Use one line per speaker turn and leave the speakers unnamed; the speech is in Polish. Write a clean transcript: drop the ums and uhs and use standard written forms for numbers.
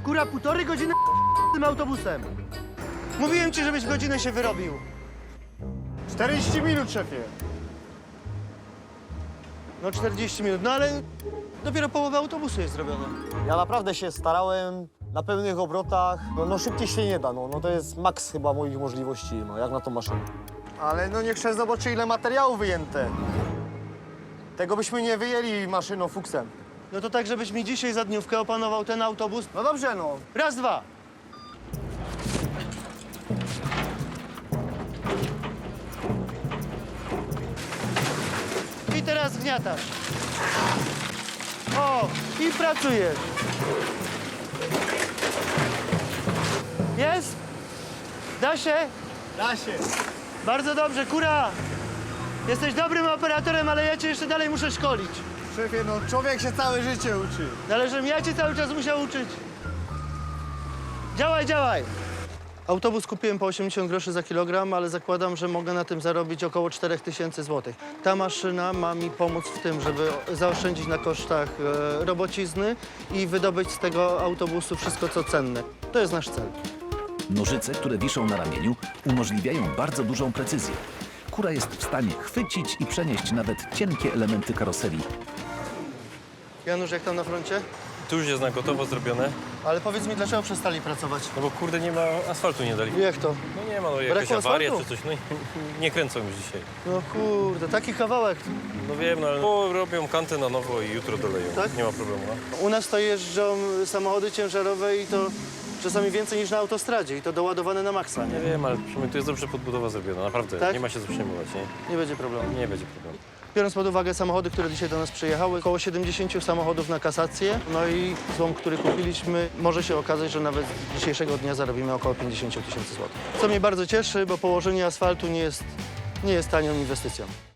Kura, 1,5 godziny tym autobusem. Mówiłem ci, żebyś godzinę się wyrobił.
40 minut, szefie.
No 40 minut, no ale dopiero połowa autobusu jest zrobiona.
Ja naprawdę się starałem na pełnych obrotach. No szybciej się nie da, no to jest maks chyba moich możliwości, no jak na tą maszynę.
Ale no niech szef zobaczy, ile materiału wyjęte. Tego byśmy nie wyjęli maszyną fuksem.
No to tak, żebyś mi dzisiaj za dniówkę opanował ten autobus.
No dobrze, no.
Raz, dwa. I teraz zgniatasz. O, i pracujesz. Jest? Da się?
Da się.
Bardzo dobrze, Kura. Jesteś dobrym operatorem, ale ja cię jeszcze dalej muszę szkolić.
Szefie, no człowiek się całe życie uczy.
Ale żebym ja cię cały czas musiał uczyć. Działaj, działaj. Autobus kupiłem po 80 groszy za kilogram, ale zakładam, że mogę na tym zarobić około 4000 zł. Ta maszyna ma mi pomóc w tym, żeby zaoszczędzić na kosztach robocizny i wydobyć z tego autobusu wszystko, co cenne. To jest nasz cel.
Nożyce, które wiszą na ramieniu, umożliwiają bardzo dużą precyzję. Kura jest w stanie chwycić i przenieść nawet cienkie elementy karoserii.
Janusz, jak tam na froncie?
Tu już jest na gotowo zrobione,
Ale powiedz mi, dlaczego przestali pracować?
no bo kurde nie ma asfaltu, nie dali.
Jak to?
No nie ma, no jakaś
Brakło
awaria
asfaltu?
czy coś, no i nie kręcą już dzisiaj.
No kurde, taki kawałek.
No wiem, no ale robią kantę na nowo i jutro doleją,
Tak?
nie ma problemu. No.
U nas to jeżdżą samochody ciężarowe i to czasami więcej niż na autostradzie i to doładowane na maksa,
Nie
nie?
wiem, ale przynajmniej tu jest dobrze podbudowa zrobiona, naprawdę,
Tak?
nie ma się co przejmować, nie?
Nie będzie problemu.
Nie będzie problemu.
Biorąc pod uwagę samochody, które dzisiaj do nas przyjechały, około 70 samochodów na kasację, no i złom, który kupiliśmy, może się okazać, że nawet z dzisiejszego dnia zarobimy około 50 000 złotych. Co mnie bardzo cieszy, bo położenie asfaltu nie jest tanią inwestycją.